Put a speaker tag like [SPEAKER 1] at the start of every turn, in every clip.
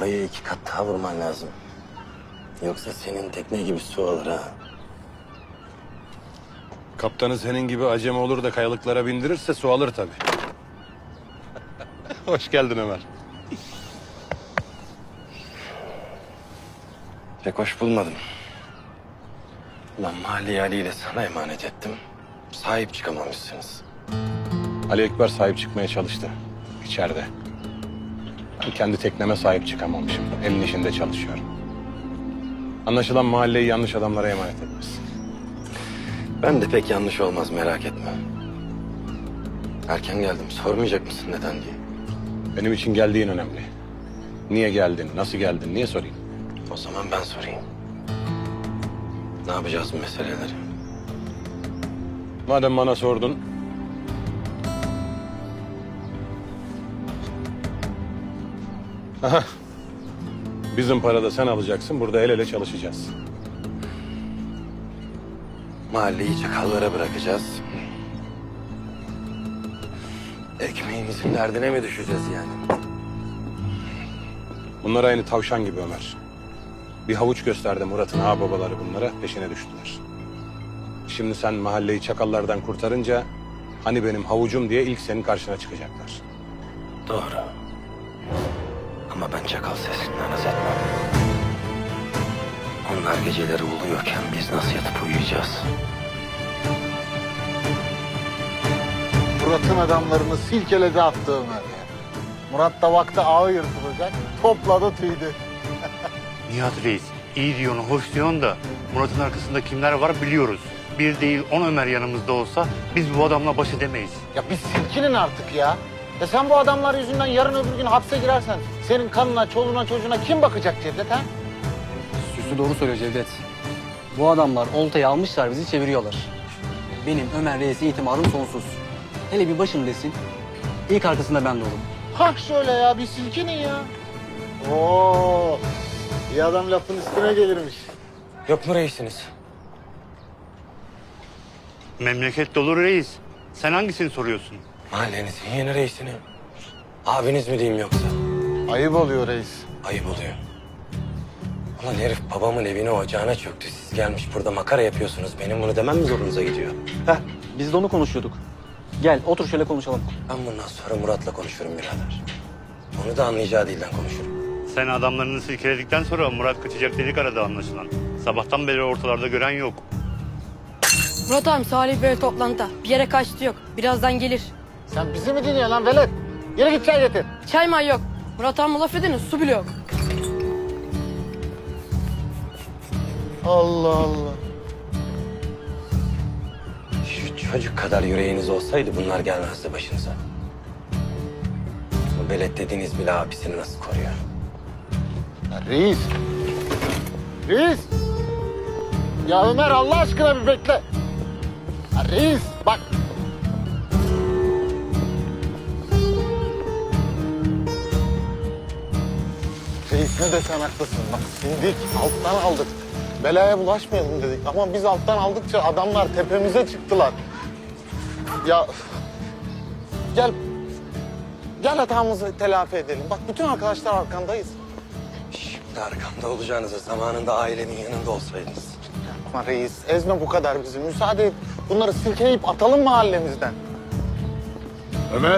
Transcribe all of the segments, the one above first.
[SPEAKER 1] Oraya 2 kat daha vurman lazım. Yoksa senin tekne gibi su alır ha.
[SPEAKER 2] Kaptanı senin gibi acemi olur da kayalıklara bindirirse su alır tabii. Hoş geldin Ömer.
[SPEAKER 1] Pek hoş bulmadım. Ulan Mahalleyi Ali ile sana emanet ettim. Sahip çıkamamışsınız.
[SPEAKER 2] Ali Ekber sahip çıkmaya çalıştı içeride. Ben kendi tekneme sahip çıkamamışım. Elin işinde çalışıyorum. Anlaşılan mahalleyi yanlış adamlara emanet etmişsin.
[SPEAKER 1] Ben de pek yanlış olmaz, merak etme. Erken geldim. Sormayacak mısın neden diye?
[SPEAKER 2] Benim için geldiğin önemli. Niye geldin, nasıl geldin, niye sorayım?
[SPEAKER 1] O zaman ben sorayım. Ne yapacağız bu meseleleri?
[SPEAKER 2] Madem bana sordun... Aha. Bizim parada sen alacaksın, burada el ele çalışacağız.
[SPEAKER 1] Mahalleyi çakallara bırakacağız. Ekmeğimizin derdine mi düşeceğiz yani?
[SPEAKER 2] Bunlar aynı tavşan gibi Ömer. Bir havuç gösterdi Murat'ın ağababaları bunlara, peşine düştüler. Şimdi sen mahalleyi çakallardan kurtarınca... hani benim havucum diye ilk senin karşına çıkacaklar.
[SPEAKER 1] Doğru. Ama ben çakal sesinden haz etmem. Onlar geceleri uluyorken biz nasıl yatıp uyuyacağız?
[SPEAKER 3] Murat'ın adamlarını silkeledi attı Ömer ya. Murat da vakti ağı yırtılacak, topladı tüydü.
[SPEAKER 4] Nihat Reis, iyi diyorsun, hoş diyorsun da Murat'ın arkasında kimler var biliyoruz. Bir değil 10 Ömer yanımızda olsa biz bu adamla baş edemeyiz.
[SPEAKER 3] Ya biz silkinin artık ya. Ya sen bu adamlar yüzünden yarın öbür gün hapse girersen senin kanına, çoluğuna, çocuğuna kim bakacak Cevdet ha?
[SPEAKER 5] Süslü doğru söylüyor Cevdet. Bu adamlar oltayı almışlar, bizi çeviriyorlar. Benim Ömer Reis'e itimadım sonsuz. Hele bir başım desin, ilk arkasında ben de olurum.
[SPEAKER 3] Hah şöyle ya, bir silkinin ya. Oo, iyi adam lafın üstüne gelirmiş.
[SPEAKER 1] Yok mu reisiniz?
[SPEAKER 4] Memleket dolu reis. Sen hangisini soruyorsun?
[SPEAKER 1] Mahallenizin yeni reisini. Abiniz mi diyeyim yoksa?
[SPEAKER 3] Ayıp oluyor reis.
[SPEAKER 1] Ayıp oluyor. Ulan herif babamın evine ocağına çöktü. Siz gelmiş burada makara yapıyorsunuz. Benim bunu demem mi zorunuza gidiyor?
[SPEAKER 5] Heh, biz de onu konuşuyorduk. Gel, otur şöyle konuşalım.
[SPEAKER 1] Ben bundan sonra Murat'la konuşurum birader. Onu da anlayacağı dilden konuşurum.
[SPEAKER 4] Sen adamlarını silkeledikten sonra Murat kaçacak dedik arada anlaşılan. Sabahtan beri ortalarda gören yok.
[SPEAKER 6] Murat abi Salih Bey toplantıda. Bir yere kaçtı yok. Birazdan gelir.
[SPEAKER 3] Sen bizi mi dinliyorsun lan velet? Yürü git çay getir.
[SPEAKER 6] Çay may yok. Murat abi laf edin su bile yok.
[SPEAKER 3] Allah Allah.
[SPEAKER 1] Şu çocuk kadar yüreğiniz olsaydı bunlar gelmezdi başınıza. Bu velet dediğiniz bile abisini nasıl koruyor?
[SPEAKER 3] Ya reis. Reis. Ya Ömer Allah aşkına bir bekle. Ya reis bak. Reis ne desen haklısın. Bak sindik, alttan aldık. Belaya bulaşmayalım dedik. Ama biz alttan aldıkça adamlar tepemize çıktılar. Ya gel. Gel hatamızı telafi edelim. Bak bütün arkadaşlar arkandayız.
[SPEAKER 1] Şimdi arkamda olacağınıza zamanında ailenin yanında olsaydınız.
[SPEAKER 3] Yapma reis, ezme bu kadar bizi. Müsaade et. Bunları silkeleyip atalım mahallemizden.
[SPEAKER 7] Ömer.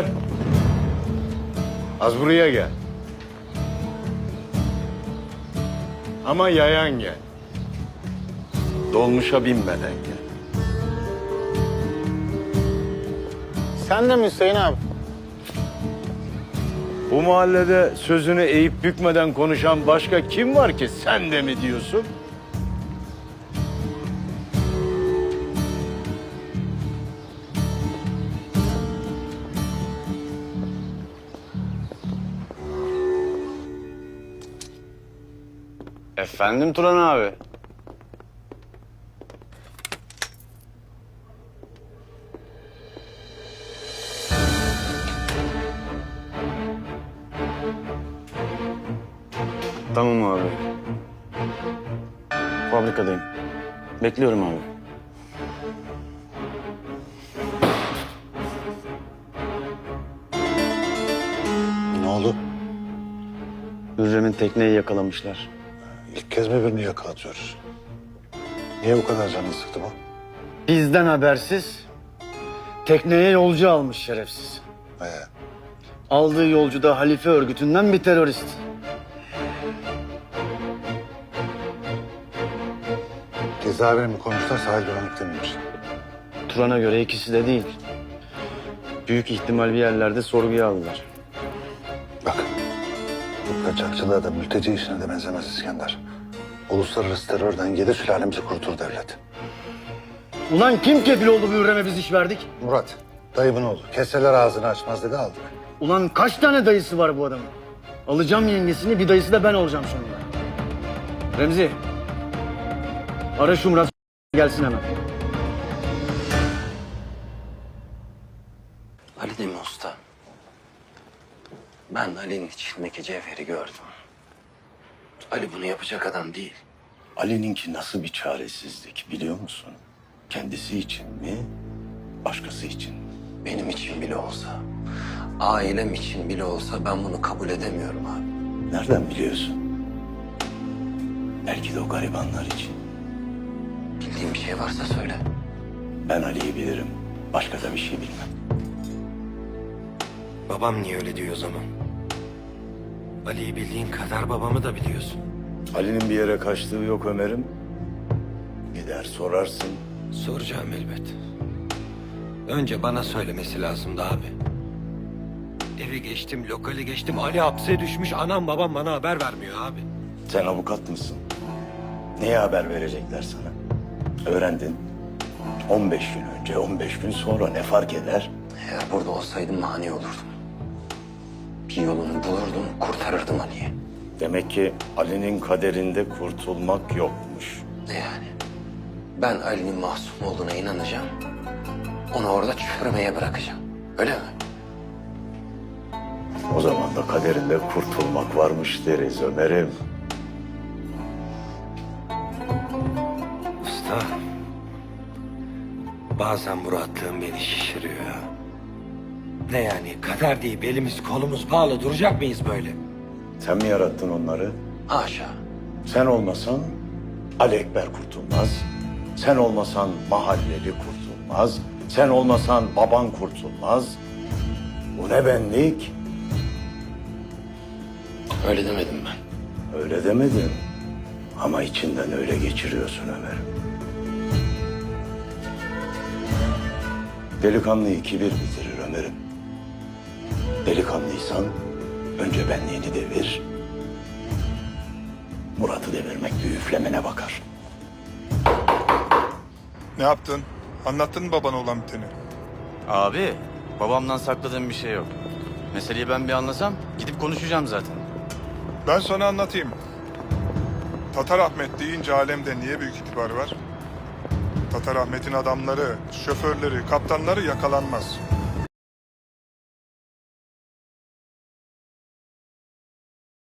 [SPEAKER 7] Az buraya gel. Ama yayan gel. Dolmuşa binmeden gel.
[SPEAKER 3] Sen de mi Hüseyin abi?
[SPEAKER 7] Bu mahallede sözünü eğip bükmeden konuşan başka kim var ki sen de mi diyorsun?
[SPEAKER 8] Efendim Turan abi. Tamam abi. Fabrikadayım. Bekliyorum abi.
[SPEAKER 3] Ne oldu?
[SPEAKER 8] Hürrem'in tekneyi yakalamışlar.
[SPEAKER 9] İlk kez mi birini yakalatıyoruz? Niye bu kadar canını sıktı bu?
[SPEAKER 7] Bizden habersiz tekneye yolcu almış şerefsiz. Aldığı yolcu da halife örgütünden bir terörist.
[SPEAKER 9] Cezaevine mi koymuşlar, sahil güvenlikte miymiş?
[SPEAKER 8] Turan'a göre ikisi de değil. Büyük ihtimal bir yerlerde sorguya aldılar.
[SPEAKER 9] Bak, bu kaçakçılığa da mülteci işine de benzemez İskender. Uluslararası terörden 7 sülalemizi kurutur devlet.
[SPEAKER 7] Ulan kim kefil oldu bu Hürrem'e biz iş verdik?
[SPEAKER 9] Murat, dayımın oğlu. Keseler ağzını açmaz dedi, aldık.
[SPEAKER 7] Ulan kaç tane dayısı var bu adamın? Alacağım yengesini, bir dayısı da ben olacağım sonunda. Remzi, ara şu Murat gelsin hemen.
[SPEAKER 1] Ali değil mi usta? Ben Ali'nin içindeki cevheri gördüm. Ali bunu yapacak adam değil.
[SPEAKER 10] Ali'ninki nasıl bir çaresizlik biliyor musun? Kendisi için mi, başkası için mi?
[SPEAKER 1] Benim için bile olsa, ailem için bile olsa ben bunu kabul edemiyorum abi.
[SPEAKER 10] Nereden biliyorsun? Belki de o garibanlar için.
[SPEAKER 1] Bildiğin bir şey varsa söyle.
[SPEAKER 10] Ben Ali'yi bilirim, başka da bir şey bilmem.
[SPEAKER 1] Babam niye öyle diyor o zaman? Ali'yi bildiğin kadar babamı da biliyorsun.
[SPEAKER 10] Ali'nin bir yere kaçtığı yok Ömer'im. Gider sorarsın.
[SPEAKER 1] Soracağım elbet. Önce bana söylemesi lazımdı abi. Evi geçtim, lokali geçtim. Ali hapse düşmüş. Anam babam bana haber vermiyor abi.
[SPEAKER 10] Sen avukat mısın? Neye haber verecekler sana? Öğrendin. 15 gün önce, 15 gün sonra ne fark eder?
[SPEAKER 1] Eğer burada olsaydım mani olurdum. Bir yolunu bulurdum, kurtarırdım Ali'yi.
[SPEAKER 10] Demek ki Ali'nin kaderinde kurtulmak yokmuş.
[SPEAKER 1] Ne yani? Ben Ali'nin masum olduğuna inanacağım. Onu orada çürümeye bırakacağım. Öyle mi?
[SPEAKER 10] O zaman da kaderinde kurtulmak varmış deriz Ömer'im.
[SPEAKER 1] Usta, bazen bu rahatlığım beni şişiriyor ya. Ne yani, kader deyip elimiz kolumuz bağlı duracak mıyız böyle?
[SPEAKER 10] Sen mi yarattın onları?
[SPEAKER 1] Haşa.
[SPEAKER 10] Sen olmasan Ali Ekber kurtulmaz. Sen olmasan mahalleli kurtulmaz. Sen olmasan baban kurtulmaz. Bu ne benlik?
[SPEAKER 1] Öyle demedim ben.
[SPEAKER 10] Öyle demedin. Ama içinden öyle geçiriyorsun Ömer'im. Delikanlıyı kibir bitirir Ömer'im. Delikanlıysan önce benliğini devir. Murat'ı devirmek bir üflemene bakar.
[SPEAKER 11] Ne yaptın? Anlattın mı babana olan biteni?
[SPEAKER 8] Abi, babamdan sakladığım bir şey yok. Meseleyi ben bir anlasam gidip konuşacağım zaten.
[SPEAKER 11] Ben sana anlatayım. Tatar Ahmet deyince alemde niye büyük itibarı var? Tatar Ahmet'in adamları, şoförleri, kaptanları yakalanmaz.